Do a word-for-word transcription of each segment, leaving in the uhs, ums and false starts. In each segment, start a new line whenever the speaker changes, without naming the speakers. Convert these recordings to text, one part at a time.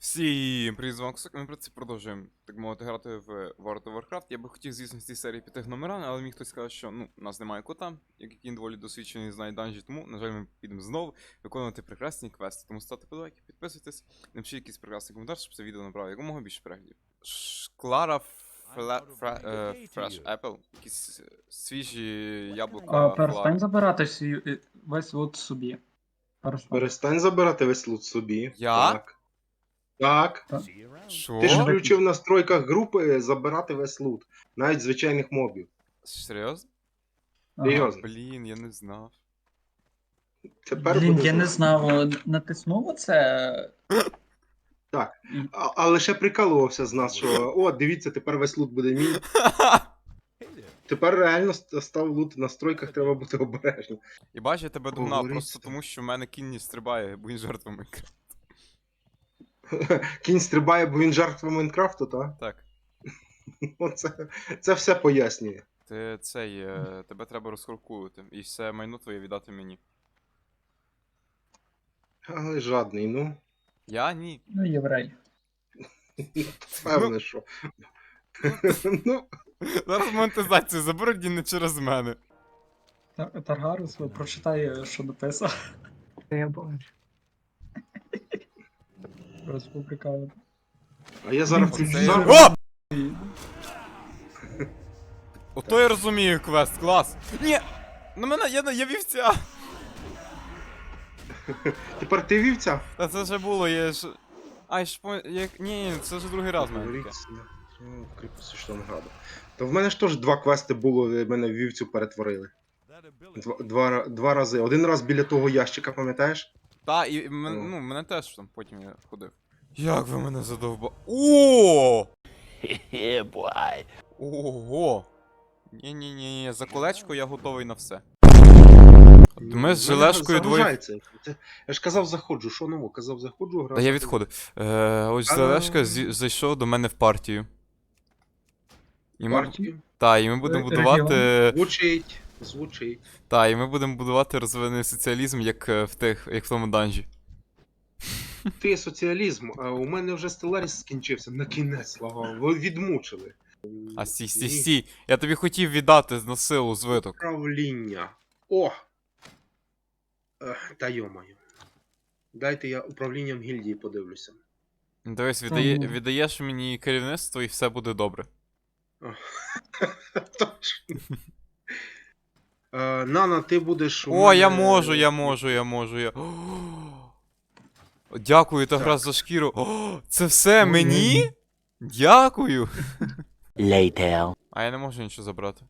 Всім привіт, з вами Ксок, ми про це продовжуємо, так мовити, грати в World of Warcraft. Я би хотів, звісно, з цій серії піти номерами, але мені хтось сказав, що ну, у нас немає кота, який доволі досвідчений, знає данжі, тому, на жаль, ми підемо знову виконувати прекрасні квести. Тому ставте подобайки, підписуйтесь, напишіть якийсь прекрасний коментар, щоб це відео набрало якомога більше переглядів. Клара Fresh Apple, якісь свіжі яблука.
А, перестань забирати всі- весь лут собі. Перестань.
Перестань забирати весь лут собі.
Я?
Так. Так.
Що?
Ти ж включив в настройках групи забирати весь лут. Навіть звичайних мобів.
Серйозно?
Ага.
Серйозно.
Блін, я не знав.
Тепер
Блін,
буде
я не
знати.
знав, натиснув оце.
Так.
І-
А, а лише прикалувався з нас, що о, дивіться, тепер весь лут буде мій. Тепер реально ст- став лут в настройках, треба бути обережним.
І бач, я тебе догнав,
Говори
просто
це.
тому що в мене кінь не стрибає, бо він жертва Майнкрафту.
Кінь стрибає, бо він жертва Майнкрафту, так?
Так.
Оце, це все пояснює.
Ти цей, е, тебе треба розхоркувати, і все майно твоє віддати мені.
Але жадний, ну.
Я ні.
Ну, єврей.
Певне, що. Ну,
Зараз монетизацію заберуть і не через мене.
Тар- Таргарус, прочитай, що написав.
Я бачу.
Республіка.
а я зараз
Це
включу
Це...
сам.
О! Ото я розумію квест, клас. Ні! На мене, я, я вівця!
Тепер ти вівця?
Та це вже було, я ж... Ай, ж по... Як... Ні, ні, це вже другий раз в мене таке.
Говориться, ну, в кріпості Штанграду. То в мене ж теж два квести було, мене в вівцю перетворили. Два, два, ра- два рази. Один раз біля того ящика, пам'ятаєш?
Та, і мен,
О.
ну, мене теж там потім я ходив. Як ви мене задовба... О! Ого! Ні-ні-ні, за колечко я готовий на все. От ми з
Мене
желешкою двоє...
заважається. Це- Я ж казав, заходжу, що ново? Казав, заходжу, грав.
Та я відходив. Е, ось
А,
Желешка
ну.
зі- зайшов до мене в партію. І ми,
Партію.
та, і ми будемо
Е,
будувати.
Звучить, звучить.
Та, і ми будемо будувати розвинений соціалізм, як е, в тих, як в тому данжі.
Ти соціалізм, а у мене вже Stellaris скінчився. На кінець, слава. Ви відмучили.
А сі, сі,
Ні.
сі. Я тобі хотів віддати на силу звиток.
Управління. О! Ех, та йомаю. Дайте я управлінням гільдії подивлюся.
Дивись, віддає,
Та ну.
віддаєш мені керівництво і все буде добре.
Точно. Е, Нана, ти будеш. у
О,
мене-
я можу, я можу, я можу, я. О, дякую, та
Так.
гра за шкіру. О, це все
Ой,
мені?
ой.
Дякую.
Later.
А я не можу нічого забрати.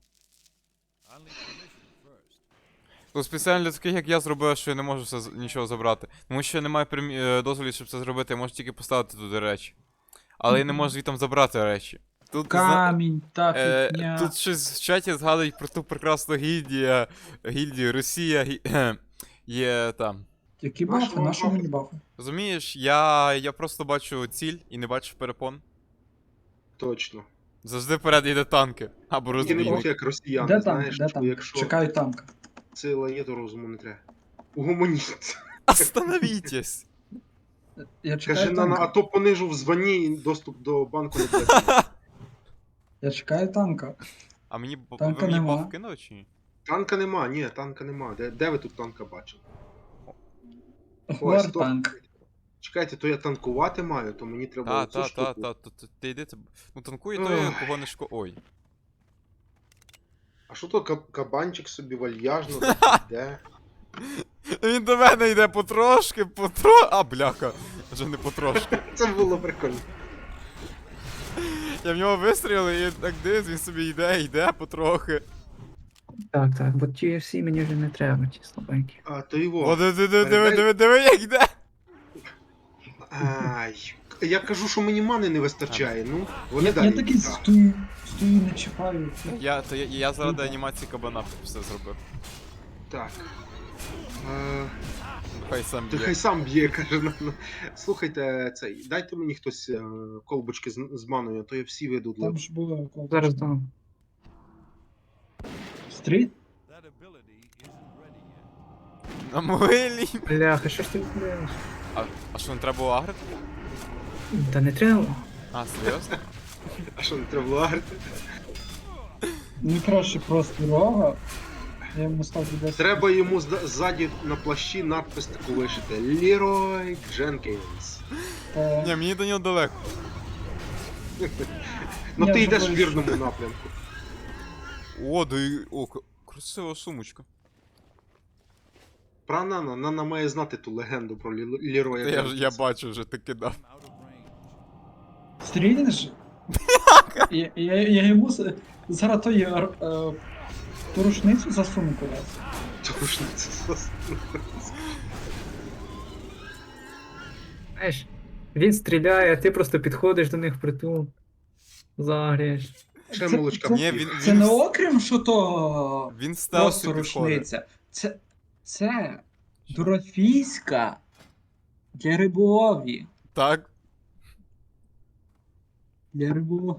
То спеціально для таких, як я, зробив, що я не можу все, з- нічого забрати. Тому що я не маю примі... е, дозволів, щоб це зробити, я можу тільки поставити туди речі. Але я не можу звідти забрати речі. Тут, зна-
Камінь, та
е,
фігня.
тут щось в чаті згадують про ту прекрасну гільдію, гільдію Росія, гі... є там.
Які
Нашого
бафи, нашого
бафи.
мені бафи.
Розумієш, я, я просто бачу ціль і не бачу перепон.
Точно.
Завжди вперед йде танки. Або
Тільки не
розбійник.
будь як росіяни,
Де там,
знаєш,
де
що
там?
якщо
Чекаю танка.
сила є, то розуму не треба. Угомоніться.
Остановітесь!
Я
Каже,
чекаю
Нана, а
танка.
то понижу в званні і доступ до банку не буде.
Я чекаю танка.
А мені, б-
Танка
ви мені
нема.
баф кинули чи ні?
Танка нема, ні, танка нема. Де, де ви тут танка бачили?
Вар
стоп.
танк.
Чекайте, то я танкувати маю, то мені треба
Та,
оцю
та, та,
штуку.
та, та, та, ти йди, ти... Ну танкує той,
Ох.
кого не шко... Ой.
А що то каб- кабанчик собі вальяжно йде?
Він до мене йде потрошки, потро... А, бляха. Вже не потрошки.
Це було прикольно.
Я в нього вистрілив і так дивись, він собі йде, йде потрохи.
Так, так, бо ті всі мені вже не треба, ті слабенькі.
А, то його.
О, диви, диви, диви,
передай-
диви, диви, як йде.
Ай, я кажу, що мені мани не вистачає, ну, вони
Я,
далі.
я такий
йдуть.
стою, стою, не чіпаю.
Я, то я, я заради анімації кабана все зробив.
Так. Е,
Хай сам
Ти
б'є.
хай сам б'є, каже. на- на- Слухайте, цей, дайте мені хтось е, колбочки з, з маною, а то я всі веду для.
Там ж було...
Зараз дам.
Стріт?
На могилі.
Бляха, що ж ти відбуваєш?
А, а що, не треба було агрити?
Та не треба.
А, серйозно?
А що, не треба було агрити?
Мені краще просто рога. Я йому ставлю десять.
Треба йому зда- ззаді на плащі надпис таку лишити. Лірой Дженкінс.
Е,
Ні, мені до нього далеко.
Ну
Я
ти
вже
йдеш в
бачу.
вірному напрямку.
О, да і... О, к- красива сумочка.
Про Нана, Нана має знати ту легенду про Лі- Ліроя
Та я, ж- я
Дженкінса.
бачу вже, ти кидав.
Стрінеш? Я, я, я йому з- зараз той е, е, ту рушницю засуну кудись.
Тому що це зас-
Знаєш, він стріляє, а ти просто підходиш до них впритул. Загрієш.
Ще
Це-
молочка.
це-
Ні,
поп'є.
він,
Це
він,
не
в-
окрім, що то
він в стелсі
просто
підходить.
рушниця. Це, це дорофійська для риболовлі.
Так.
Для риболовлі.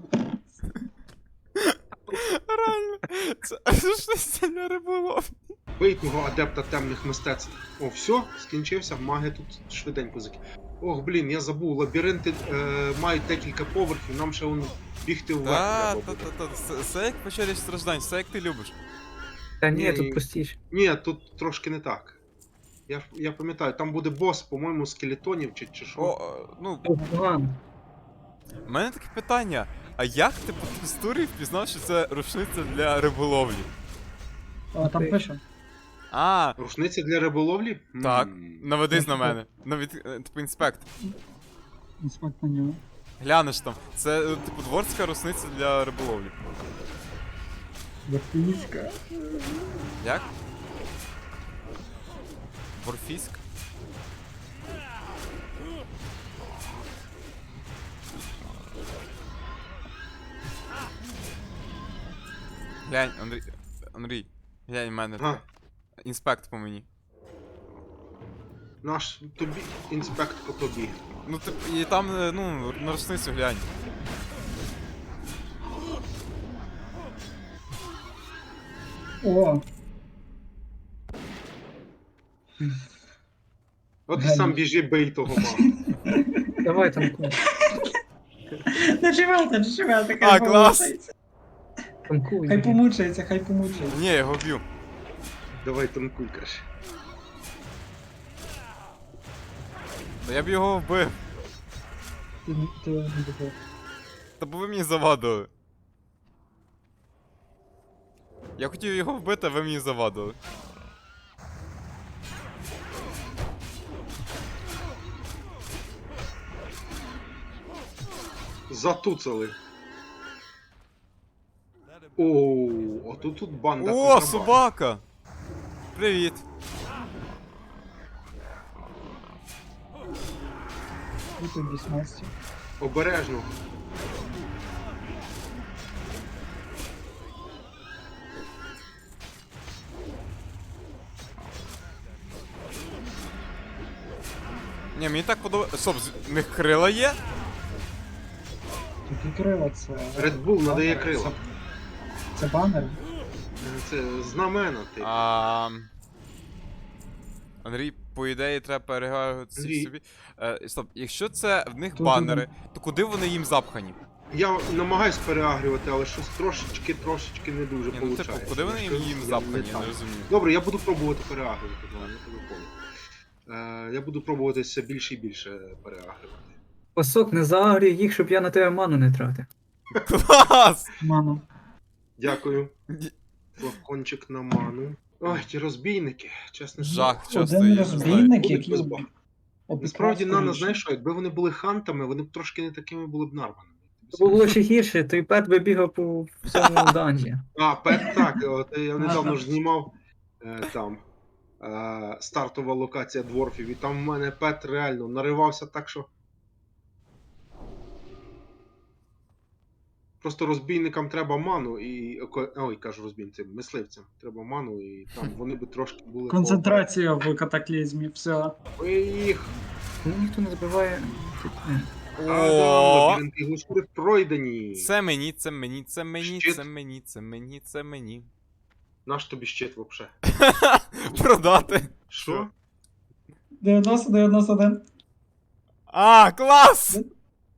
Реально. Це щось для риболов.
Бий того адепта темних мистецтв. О, все, скінчився, маги тут швиденько заки. Ох, блін, я забув, лабіринти е, мають декілька поверхів, нам ще воно бігти вверх
Та,
треба
та,
буде.
та, та, все- все як печері страждань, все як ти любиш.
Та ні,
Ні,
тут
ні.
простіше.
Ні, тут трошки не так. Я, ж- я пам'ятаю, там буде бос, по-моєму, скелетонів чи, чи що.
О, е, ну,
О, погано.
у мене таке питання. А як ти по текстурі впізнав, що це рушниця для риболовлі?
О, там
Ти-
пише.
А,
Рушниці для риболовлі?
Так.
М.
наведись на мене. Навід, е, типу інспект.
Інспект на нього.
Глянеш там. Це, е, типу, дворська рушниця для риболовлі.
Дорофійська.
Як? Ворфіськ? Глянь, Андрій. Андрій, глянь в мене.
А,
Інспект по мені.
наш тобі інспект по тобі.
Ну тип, і там, е, ну, на рушницю глянь.
О,
От і
Дай
сам
мені.
біжи, бий того мага.
Давай танкуй.
наживайте, наживайте,
А,
хай
клас.
помучається.
Танкуй.
Хай помучається, хай помучається.
Ні, я його б'ю.
Давай танкуй, краще.
Та я б його вбив.
Ти, ти не добив.
Та бо ви мені завадили. Я хотів його вбити, а ви мені завадили.
Затуцали. Оу, а тут тут банда.
О,
контрабанд.
собака! Привіт.
І тут вісімнадцять.
Обережно.
Ні, мені так подобається. Стоп, з- в них крила є?
Тут і крила це.
Red Bull надає
банер,
крила.
Це, це банер.
Це знамена ти.
А... Андрій, по ідеї, треба переглянути
Андрій.
собі. Е, стоп, якщо це в них
Тут
банери, то куди вони їм запхані?
Я намагаюсь переагрювати, але щось трошечки, трошечки не дуже
Ні, ну
виходить.
типу, куди вони їм, їм запхані, я не розумію.
Добре, я буду пробувати переагрювати, давай, я тебе понял. Е, я буду пробувати все більше і більше переагрювати.
Пасок, не загрій їх, щоб я на тебе ману не тратив.
Клас!
Ману.
Дякую.
Ні.
Флакончик на ману. Ой, ті розбійники, чесно.
Жах, часто
Один
я не знаю.
розбійник,
Будуть
який
без
об-
баг.
обікрав
Насправді, Нана,
скоріше.
знаєш що, якби вони були хантами, вони б трошки не такими були б нарваними.
Це було ще гірше, той пет би бігав по всьому данжі.
А, пет так, от я недавно ж знімав е, там е, стартова локація дворфів, і там в мене пет реально наривався так, що. Просто розбійникам треба ману і. ко- Ой, кажу розбійцям, мисливцям. Треба ману, і там вони би трошки були.
Концентрація в катаклізмі, все.
Ой, їх.
Ну ніхто не забиває. Е,
О,
Лабіринти глушури пройдені.
це мені, це мені, це мені,
Щит.
це мені, це мені, це мені.
Наш тобі щит вообще.
Продати.
Що?
дев'яносто дев'яносто один.
А, клас!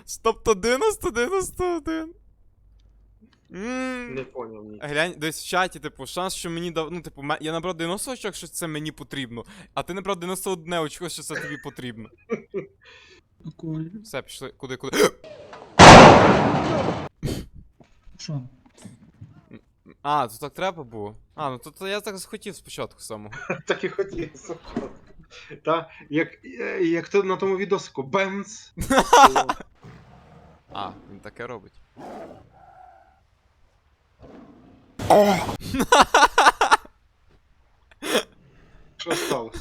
Тобто дев'яносто дев'яносто один. Ммм.
Не поняв ні.
Глянь, десь в чаті, типу, шанс, що мені дав. Ну, типу, ме- я набрав дев'яносто очок, що це мені потрібно, а ти набрав дев'яносто одне очко, що це тобі потрібно.
Прикольно.
Все, пішли. Куди, куди?
Що?
А, то так треба було. А, ну то, то я так захотів спочатку самого.
Так і хотів спочатку. Та, як, е, як то на тому відосику, бемц.
А, він таке робить.
Що сталося?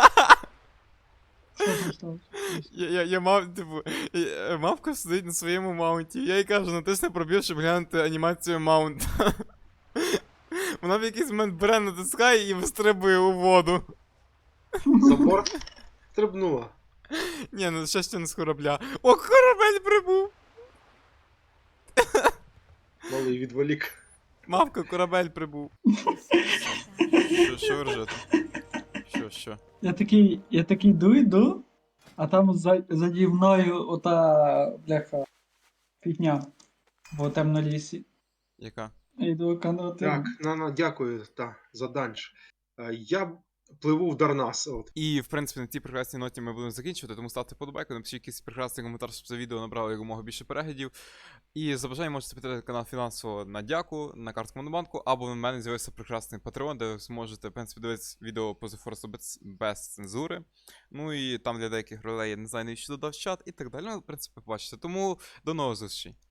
Що там сталося?
Я, я, я мав, типу, я- мавка сидить на своєму маунті. Я їй кажу, натисни пробіл, щоб глянути анімацію маунта. Вона в якийсь момент бере, натискає і вистрибує у воду.
За борт стрибнула.
Ні, ну щастя не з корабля. О, корабель прибув!
Малий відволік.
Мавка, корабель прибув. Що, що ви ржете? Що, що?
Я такий, я такий йду, йду, а там за, заді мною ота бляха фігня в темному лісі.
Яка?
Я йду канати.
Так, на, на, дякую та, за данж. Е, Я пливу в Дарнас. От.
І, в принципі, на цій прекрасній ноті ми будемо закінчувати, тому ставте подобайку, напишіть якийсь прекрасний коментар, щоб це відео набрало якомога більше переглядів. І за бажання можете підтримати канал фінансово на дяку, на картку Монобанку, або в мене з'явився прекрасний Patreon, де ви зможете, в принципі, дивитися відео по The Force без, без цензури. Ну і там для деяких ролей, я не знаю, навіщо додав чат і так далі. Ну, в принципі, побачите. Тому до нових зустрічей.